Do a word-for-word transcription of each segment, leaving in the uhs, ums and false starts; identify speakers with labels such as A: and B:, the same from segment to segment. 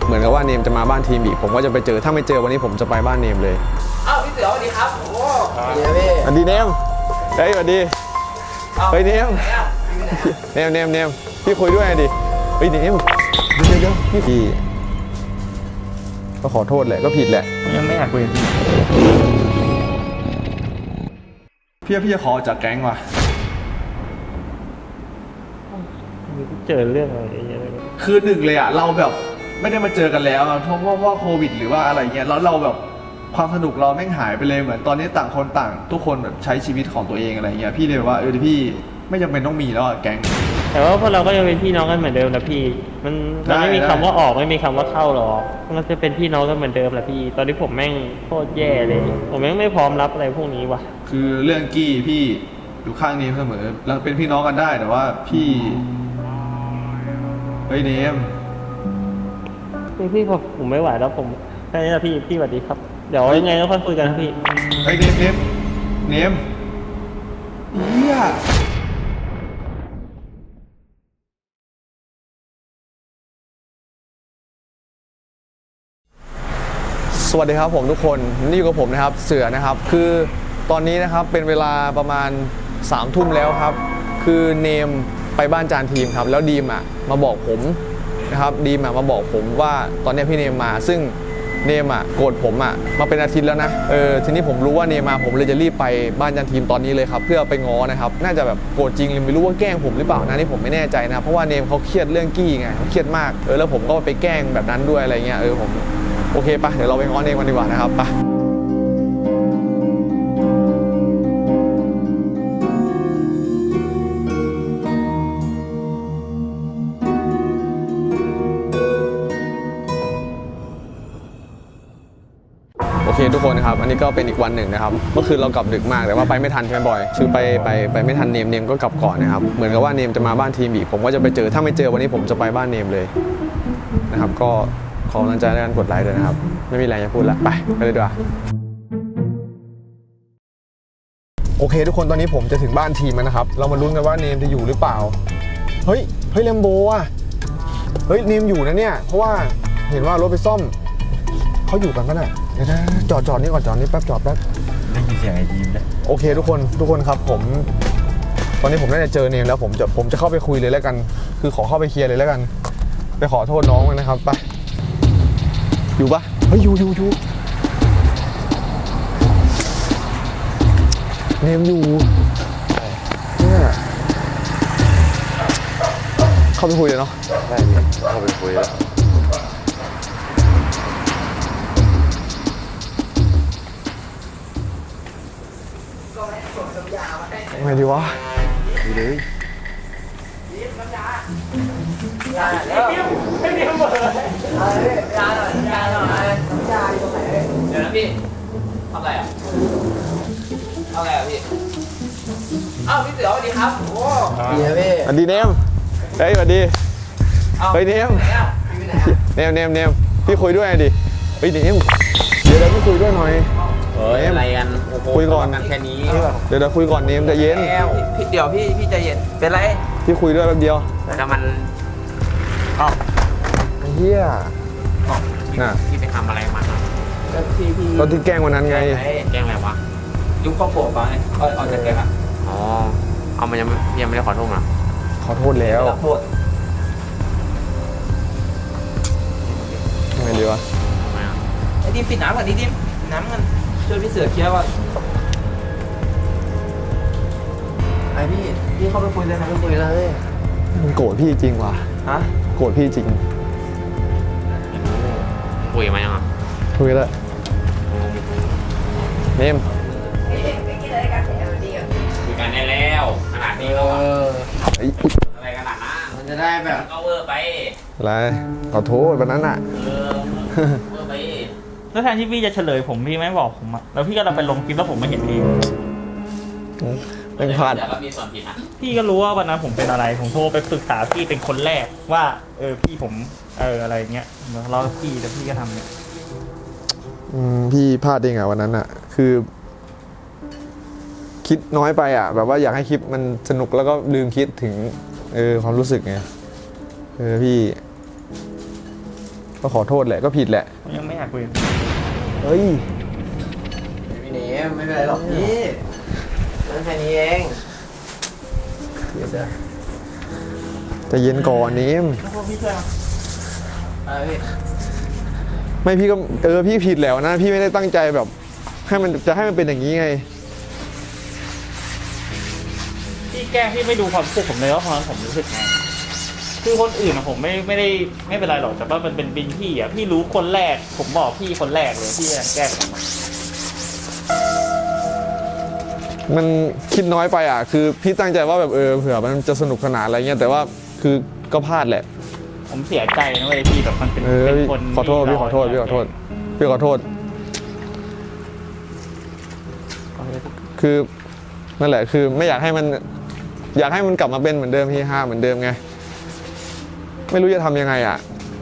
A: เหมือนกับว่าเนมจะมาบ้านทีมอีกผมก็จะไปเจอถ้าไม่เจอวันนี้ผมจะไปบ้านเนมเลย
B: อ้าวพี่เสือสวัสดีครับโอ้
A: สวัสดีสวัสดีเนมเฮ้ยสวัสดีเฮ้ยเนมเนมเนมเนมพี่คุยด้วยดิเฮ้ยเนมเดี๋ยวเดี๋ยวพี่ก็ขอโทษแหละก็ผิดแหละ
C: ยังไม่อยากคุยกับพี่
A: พี่พี่จะขอจากแก๊งว่ะ
C: เจอเรื่องอะไรอย่างเงี้ย
A: คือหนึ่งเลยอ่ะเราแบบไม่ได้มาเจอกันแล้วเพราะว่าโควิดหรือว่าอะไรเงี้ยแล้วเราแบบความสนุกเราแม่งหายไปเลยเหมือนตอนนี้ต่างคนต่างทุกคนแบบใช้ชีวิตของตัวเองอะไรเงี้ยพี่เลยว่าเออพี่ไม่จำเป็นต้องมีแล้วแก๊ง
C: แต่ว่าพวกเราก็ยังเป็นพี่น้องกันเหมือนเดิมนะพี่มันมันไม่มีคำว่าออกไม่มีคำว่าเข้าหรอกมันจะเป็นพี่น้องกันเหมือนเดิมแหละพี่ตอนนี้ผมแม่งโคตรแย่เลยผมแม่งไม่พร้อมรับอะไรพวกนี้ว่ะ
A: คือเรื่องกี้พี่อยู่ข้างนี้เสมอเราเป็นพี่น้องกันได้แต่ว่าพี่เฮ้ยเนม
C: พี่พี่ผมผมไม่ไหวแล้วผมแค่นี้นะพี่พี่สวัสดีครับเดี๋ยวยังไงก็ค่อยคุยกันนะพี่
A: เฮ้ยเนมเนมเนมเฮียสวัสดีครับผมทุกคนนี่อยู่กับผมนะครับเสือนะครับคือตอนนี้นะครับเป็นเวลาประมาณสามทุ่มแล้วครับคือเนมไปบ้านจานทีมครับแล้วดีมอ่ะมาบอกผมนะครับดีมอ่ะมาบอกผมว่าตอนนี้พี่เนมมาซึ่งเนมอ่ะโกรธผมอ่ะมาเป็นอาทิตย์แล้วนะเออทีนี้ผมรู้ว่าเนมมาผมเลยจะรีบไปบ้านจานทีมตอนนี้เลยครับเพื่อไปง้อนะครับน่าจะแบบโกรธจริงหรือไม่รู้ว่าแกล้งผมหรือเปล่านะนี่ผมไม่แน่ใจนะเพราะว่าเนมเขาเครียดเรื่องกี้ไงเขาเครียดมากเออแล้วผมก็ไปแกล้งแบบนั้นด้วยอะไรเงี้ยเออผมโอเคปะเดี๋ยวเราไปง้อเนมกันดีกว่านะครับปะโอเคทุกคนนะครับอันนี้ก็เป็นอีกวันหนึ่งนะครับเมื่อคืนเรากลับดึกมากแต่ว่าไปไม่ทันใช่ไหมบอยคือไปไปไปไม่ทันเนมเนมก็กลับก่อนนะครับเหมือนกับว่าเนมจะมาบ้านทีมอีกผมก็จะไปเจอถ้าไม่เจอวันนี้ผมจะไปบ้านเนมเลยนะครับก็ขอกำลังใจในการกดไลค์ด้วยนะครับไม่มีอะไรจะพูดละไปไปเลยดีกว่าโอเคทุกคนตอนนี้ผมจะถึงบ้านทีมแล้วนะครับเรามาลุ้นกันว่าเนมจะอยู่หรือเปล่าเฮ้ยเฮ้ยแลมโบอ่ะเฮ้ยเนมอยู่นะเนี่ยเพราะว่าเห็นว่ารถไปซ่อมเขาอยู่กันปะเนี่ยเดี๋ยวนะจอดจอดนี่ก่อนจอดนี่แป๊บจอดแป๊บ
D: ได้ยินเสียงไอ้ยีมเลย
A: โอเคทุกคนทุกคนครับผมตอนนี้ผมน่าจะเจอเนมแล้วผมจะผมจะเข้าไปคุยเลยแล้วกันคือขอเข้าไปเคลียร์เลยแล้วกันไปขอโทษน้องมันนะครับไปอยู่ปะเฮ้ยอยู่อยู่อยู่เนมอยู่เนี่ยเข้าไปคุยเลยเนาะ
D: ได้เนี่ยเข้าไปคุยแล้ว
A: ไงดีวะ
D: ดีเลย
B: ยาแล้วไม่มีเบอร์ยาหน่อยยาหน่อยน้ำยาอยู่ตรงไหนเดี๋ยวนะพี่ทำอะไรอ่ะทำอะไรอ่ะพี่อ้าวพี่เสือสวัสดีครับโอ้
A: ดีนะพี่สวัสดีเนมเฮ้ยสวัสดีเฮ้ยเนมเนมเนมเนมพี่คุยด้วยดิเฮ้ยเนมเดี๋ยวเดี๋ยวพี่คุยด้วยหน่อย
B: เฮ้ยอะไรกัน
A: คุยก่อน
B: แค่นี้
A: เดี๋ยวเดี๋ยวคุยก่อนเนมใจเย็น
B: พี่เดี๋ยวพี่พี่ใจเย็นเป็นไร
A: พี่คุยด้วยแป๊บเดียว
B: แต่มันอ๋อ
A: เฮียน่ะ
B: พี่ไปทำอะไรมาก็ที่พี่
A: ตอนที่แกล้งวันนั้นไง
B: แกล้งอะไรวะยุบข้าวโพดไปเอาเอาจากแกอ่ะอ๋อเอามันยังยังไม่ได้ขอโทษนะ
A: ขอโทษแล้ว
B: ขอโทษ
A: ทำไงดีวะ
B: ไอ้ดิมปิดน้ำก่อนดิดิมน้ำกันช่วยพี่เสือเคลียร์ก่อนไอพี่พี่เข้าไปคุยเลยนะไปคุยเลย
A: มึงโกรธพี่จริงว่ะ
B: ฮะ
A: โกรธพี่จริง
B: คุยมายังอ่ะ
A: คุยแล้วเนม
B: คุยกันได้แล้วขนาดนี้แล้วอะไรขนาดนั้นมันจะได้แบบก็เวอร์ไป
A: อะไรขอโทษวันนั้นอ่ะ
B: เออเวอร์ไป
C: แล้วแทนที่พี่จะเฉลยผมพี่ไม่บอกผมอะแล้วพี่ก็เราไปลงคลิปแล้วผมไม่เห็นพี่
A: เป็นพลาด
C: พี่ก็รู้ว่าวันนั้นผมเป็นอะไรผมโทรไปปรึกษาพี่เป็นคนแรกว่าเออพี่ผมเอออะไรเงี้ยเราพี่แต่พี่ก็ทำเนี่ย
A: อืมพี่พลาดเองอะวันนั้นอะคือคิดน้อยไปอะแบบว่าอยากให้คลิปมันสนุกแล้วก็ลืมคิดถึงเออความรู้สึกไงเออพี่ก็ขอโทษแหละก็ผิดแหละ
C: ผมยังไม่อยากคุย
A: เฮ้ย
B: พี่เนมไม่เป็นไรหรอกพี่เรื่องแค่นี้เองเดี๋ยวเสือ
A: จะเย็นก่อนนิม
C: แล้วพวกพี่ช่วยมา
B: อะไรพี่
A: ไม่พี่ก็เออพี่ผิดแล้วนะพี่ไม่ได้ตั้งใจแบบ ให้มันจะให้มันเป็นอย่างนี้ไง
C: พี่แกล้งพี่ไม่ดูความรู้สึกผมเลยว่าตอนนั้นผมรู้สึกไงคือคนอื่นอะผมไม่ไม่ได้ไม่เป็นไรหรอกแต่ว่ามันเป็นบินพี่อะพี่รู้คนแรก ผมบอกพี่คนแรกเลยพี่ยังแกล้งผมอะ
A: มันคิดน้อยไปอ่ะคือพี่ตั้งใจว่าแบบเออเผื่อมันจะสนุกสนานอะไรเงี้ยแต่ว่าคือก็พลาดแหละ
C: ผมเสียใจนะเว้ยพี่แบบมันเป็น
A: เออ
C: เป็น
A: พี่
C: คน
A: ขอโทษพี่ขอโทษพี่ขอโทษพี่ขอโทษ คือนั่นแหละคือไม่อยากให้มัน อยากให้มันกลับมาเป็นเหมือนเดิมที่ห้าเหมือนเดิมไงไม่รู้จะทำยังไงอ่ะ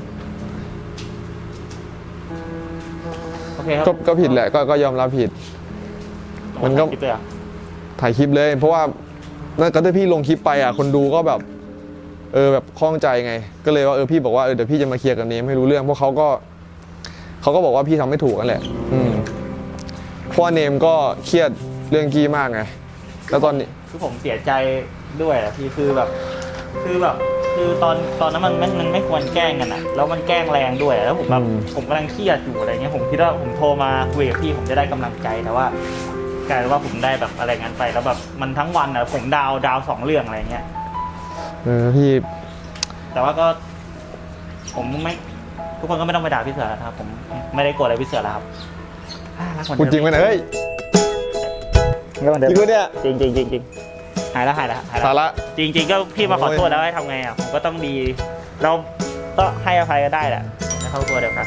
C: โอเคครับ
A: ก็ก็ผิดแหละก็ก็ยอมรับผิด มันก็
C: คิดเลยอะ
A: ถ่ายคลิปเลย เพราะว่านั่นก็ถ้าพี่ลงคลิปไปอ่ะคนดูก็แบบเออแบบคล่องใจไง ก็เลยว่าเออพี่บอกว่าเออเดี๋ยวพี่จะมาเคลียร์กับเนมให้รู้เรื่องเพราะเขาก็เขาก็บอกว่าพี่ทำไม่ถูกกันแหละ อืมเพราะว่าเนมก็เครียดเรื่องกี้มากไงแล้วตอนนี้
C: คือผมเสียใจด้วยอะพี่คือแบบ คือแบบ คือตอนตอนนั้นมันมันมันไม่ควรแกล้งกันอะแล้วมันแกล้งแรงด้วยแล้วผมแบบผมกำลังเครียดอยู่อะไรเงี้ยผมคิดว่าผมโทรมาคุยกับพี่ผมจะได้กำลังใจแต่ว่ากลายเป็นว่าผมได้แบบอะไรงั้นไปแล้วแบบมันทั้งวันอะผมดาวดาวสองเรื่องอะไรเงี้ย
A: เออพี่
C: แต่ว่าก็ผมไม่ทุกคนก็ไม่ต้องไปด่าพี่เสือแล้วนะครับผมไม่ได้โกรธอะไรพี่เสือแล้วครับอ่ารักเหมือน
A: พูด
C: เดิม
A: จริงไหมเนี่ยเฮ้ย
C: รักเหมือนเดิม
A: จริงปะเนี่ย
C: จริงจริงจริงจริงหายแล้วหายแล้วหายแล้ว
A: สาระ
C: จริงจริงๆก็พี่มาขอโทษแล้วให้ทำไงอ่ะผมก็ต้องดี เราก็ให้อภัยก็ได้แหละในครอบครัวเดียวกัน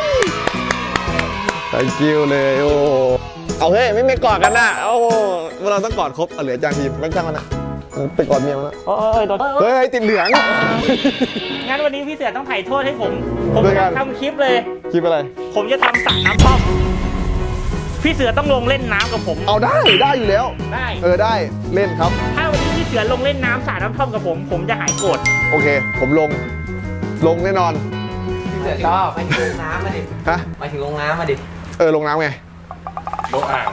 A: thank you เลยโอ้เอาเฮ้ยไม่ไม่กอดกันนะโอ้เราต้องกอดครบเอาเหลือจางทีมไม่ช่างมันนะไปกอดเมียมันนะ
C: โอ้ยโดน
A: เฮ้ยติดเหลือง
C: งั้นวันนี้พี่เสือต้องถ่ายโทษให้ผม ผม
A: ด้วยกั
C: จะ
A: น
C: ทำคลิปเลย
A: คลิปอะไร
C: ผมจะทำสระน้ำท่อมพี่เสือต้องลงเล่นน้ำกับผม
A: เอาได้ได้อยู่แล้ว
C: ได้
A: เออได้เล่นครับ
C: ถ้าวันนี้พี่เสือลงเล่นน้ำสระน้ำท่อมกับผม ผมจะหายโกรธ
A: โอเค ผมลง ลงแน่นอน
B: พี่เสือชอบไปถึงลงน้ำมาดิ
A: ฮะ
B: ไปถึงลงน้ำมาดิ
A: เออลงน้ำไง
C: ลงอ่าง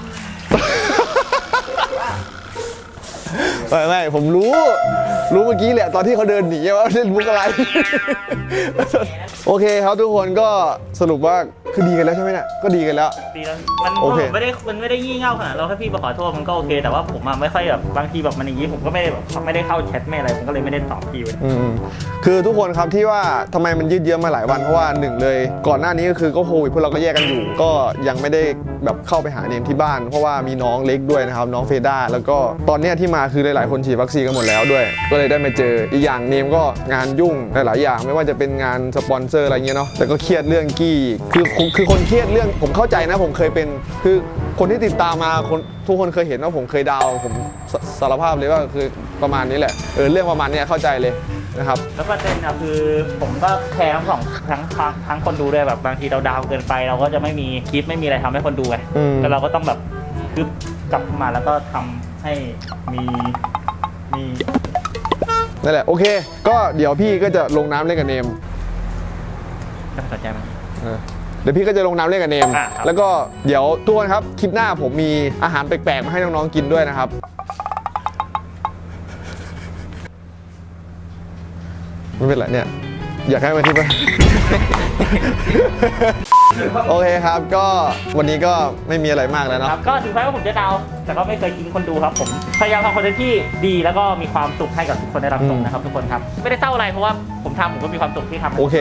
A: ไม่ไม่ผมรู้ รู้เมื่อกี้แหละตอนที่เขาเดินหนีว่าเล่นมุกอะไร โอเคครับทุกคนก็สรุปว่าคือดีกันแล้วใช่ไหมเนี่ยก็ดีกันแล้ว
C: ดีแล้วมัน
A: โอเค
C: ไม่ได้มันไม่ได้ยี่เง่าขนาดเราแค่พี่มาขอโทษมันก็โอเค แต่ว่าผมอะไม่ค่อยแบบบางทีแบบมันอย่างนี้ผมก็ไม่ได้แบบไม่ได้เข้าแชทไม่อะไรผมก็เลยไม่ได้ตอบพี่เลย
A: อืมคือทุกคนครับที่ว่าทำไมมันยืดเยื้อมาหลายวันเพราะว่าหนึ่งเลย ก่อนหน้านี้ก็คือก็โควิดพวกเราก็แยกกันอยู่ ก็ยังไม่ได้แบบเข้าไปหาเนมที่บ้าน เพราะว่ามีน้องเล็กด้วยนะครับน้องเฟด้าแล้วก็ตอนเนี้ยที่มาคือหลายๆคนฉีดวัคซีนกันหมดแล้วด้วย ก็เลยได้มาเจออีกอย่างเนมก็งานยุ่งหลายๆอย่างไม่ว่าจะเป็นงานสปอนเซอร์อะไรเงี้ยเนาะแต่ก็เครียดเรื่องกี้คือคือคือคนเครียดเรื่องผมเข้าใจนะผมเคยเป็นคือคนที่ติดตามมาคนทุกคนเคยเห็นว่าผมเคยดาวผมสสารภาพเลยว่าคือประมาณนี้แหละเออเรื่องประมาณเนี้ยเข้าใจเลยนะครับ
C: แล้วประเด็นอะคือผมก็แคร์ทั้งสองทั้งทั้งทั้งคนดูด้วยแบบบางทีเราดาวเกินไป เราก็จะไม่มีคลิปไม่มีอะไรทำให้คนดูไง
A: อืม
C: แต่เราก็ต้องแบบคืบกลับมาแล้วก็ทำให้มีมี
A: นั่นแหละโอเค ก็เดี๋ยวพี่ก็จะลงน้ำเล่นกับเนม
C: น่าสนใจไหม
A: เออเดี๋ยวพี่ก็จะลงน้ำเล่นกับเนม
C: อ่ะครับ
A: แล้วก็เดี๋ยวทุกคนครับคลิปหน้าผมมีอาหารแปลกๆมาให้น้องๆกินด้วยนะครับไม่เป็นไรเนี่ยอยากให้มาที่บ้าน โอเคครับก็วันนี้ก็ไม่มีอะไรมากแล้ว
C: ค
A: เนาะ
C: รับก็ถึงแม้ว่าผมจะดาว แต่ก็ไม่เคยทิ้งคนดูครับผมพยายามทำคอนเทนต์ที่ดีแล้วก็มีความสุขให้กับทุกคนได้รับชมนะครับทุกคนครับไม่ได้เศร้าอะไรเพราะว่าผมทำผมก็มีความสุขที่ทำ
A: โอเค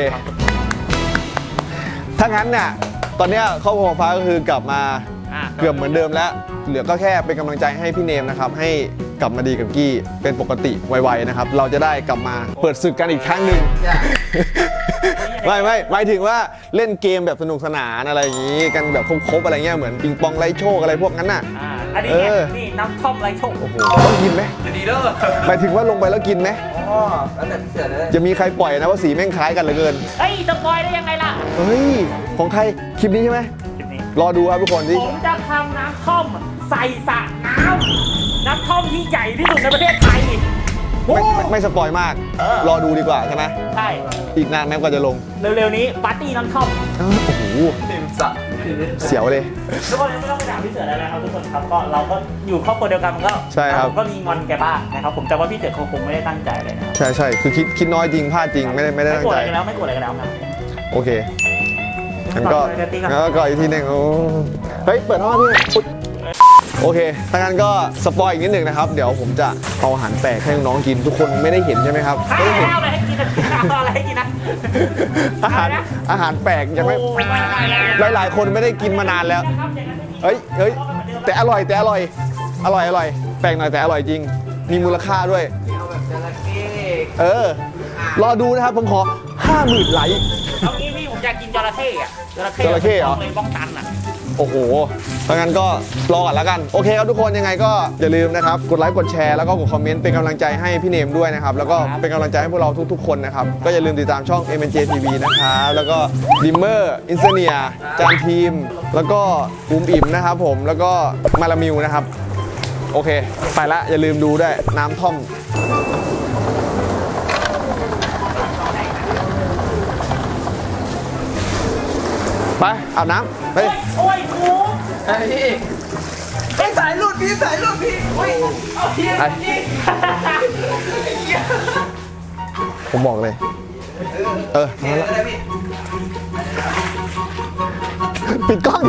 A: ถ้างั้นเนี่ยตอนเนี้ยครอบครัวฟ้าก็คือกลับมา
C: อ่ะ
A: เกือบเหมือนเดิมแล้ว เหลือก็แค่เป็นกำลังใจให้พี่เนมนะครับ ให้กลับมาดีกับกี้เป็นปกติไวๆนะครับ เราจะได้กลับมาเปิดศึกกันอีกครั้งหนึ่ง ไม่ไม่หมายถึงว่าเล่นเกมแบบสนุกสนานอะไรอย่างนี้ กันแบบครบๆอะไรเงี้ยเหมือนปิงปองไล่โชคอะไรพวกนั้นน่ะ
C: อ่าอันนี้เนี่ย
A: เออ
C: นี่น้ำท่อมไรโชค
A: โอ้โหต้องกินไหม
B: จะดีเด้อ
A: หมายถึงว่าลงไปแล้วกินไหม
B: อ๋อแล้วแต่พี่เสือเลย
A: จะมีใครปล่อยนะว่าสีแม่งคล้ายกันเหลือเกิน
C: เฮ้ยสปอยได้ยังไงล่ะ
A: เฮ้ยของใครคลิปนี้ใช่ไหม
C: คลิปนี้
A: รอดูครับทุกคนที่
C: ผมจะทำน้ำท่อมใส่สระน้ำน้ำท่อมที่ใหญ่ที่สุดในประเทศไทย
A: ไม่ไม่ไม่สปอยมาก
C: เออ
A: รอดูดีกว่าใช่ไหม
C: ใช่
A: อีกนานแม้กว่าจะลง
C: เร็วๆนี้ปาร์ตี้น้ำท่อม
A: อ้าวโอ้โห
B: ติมสัก
A: เสียวเลย
C: ทุกคนไม่ต้องไปถามพี่เสือแล้วนะครับทุกคนครับก็เราก็อยู่ครอบครัวเดียวกันมันก็
A: ใช่ครับ
C: ผมก็มีงอนแกบ้างนะครับผมแต่ว่าพี่เสือเขาคงไม่ได้ตั้งใจเลยนะครับ
A: ใช่ใช่คือคิดคิดน้อยจริงพลาดจริงไม่ได้ไม่ได้
C: ไม่
A: ตั้
C: โก
A: ง
C: รธ
A: ใจ
C: อะไรกันแล้วไม่โกรธอะไรกันแล้วครับ
A: โอเคงั้นก็
C: ต่อไปกันตีกัน
A: งั้นก็ก่อนอีกทีหนึ่งโอ้เฮ้ย เปิดห้องพี่อุ๊ยโอเคถ้างั้นก็สปอยอีกนิดหนึ่งนะครับ เดี๋ยวผมจะเอาอาหารแปลกให้น้องๆกินทุกคนไม่ได้เห็นใช่ไหมครับ
C: ข้า
A: ไม่ได้เห็น
C: วอะไรให้กินนะข้าวอะไรให้กินนะ
A: อาหาร
C: อะไรนะ
A: อาหารแปลกยังไม่
C: โอ้ไม่ไม่ไม่
A: หลายๆคนไม่ได้กินมานานแล้ว
C: ครับอย่างนั้นไม่มี
A: เฮ้ยเฮ้ยแต่อร่อยแต่อร่อย อร่อยอร่อย แปลกหน่อยแต่อร่อยจริง มีมูลค่าด้วย
B: เอาแบบจระเข้
A: เออ รอดูนะครับผมขอห้าหมื่นไลค์
C: เอางี้พี่ผมอยากกินจระเข้อะจระเข้
A: จระเข้เหรอ
C: เลยบ้องตันอะ
A: โอ้โหถ้างั้นก็รอก่อนแล้วกัน โอเคครับทุกคนยังไงก็อย่าลืมนะครับ กดไลค์ กดแชร์ แล้วก็กดคอมเมนต์เป็นกำลังใจให้พี่เนมด้วยนะครับ แล้วก็เป็นกำลังใจให้พวกเราทุกๆคนนะครับ ก็อย่าลืมติดตามช่อง เอ็ม เอ็น เจ ที วี นะครับ แล้วก็ดิมเมอร์ อินเซเนีย จานทีม แล้วก็อูมอิ่มนะครับผม แล้วก็มาลามิวนะครับ โอเค ไปละอย่าลืมดูด้วยน้ำท่อม ไปอาบน้ำไป
C: โอ้ยโอ้ย
B: ไอ้พี่ไอ้สายหลุดพี่สายหลุดพี่โอ้ยเอาพี่
A: ไป
B: พี่
A: ผมบอกเลย เออ
B: เห็นแล้วนะพี่
A: ปิดกล้อง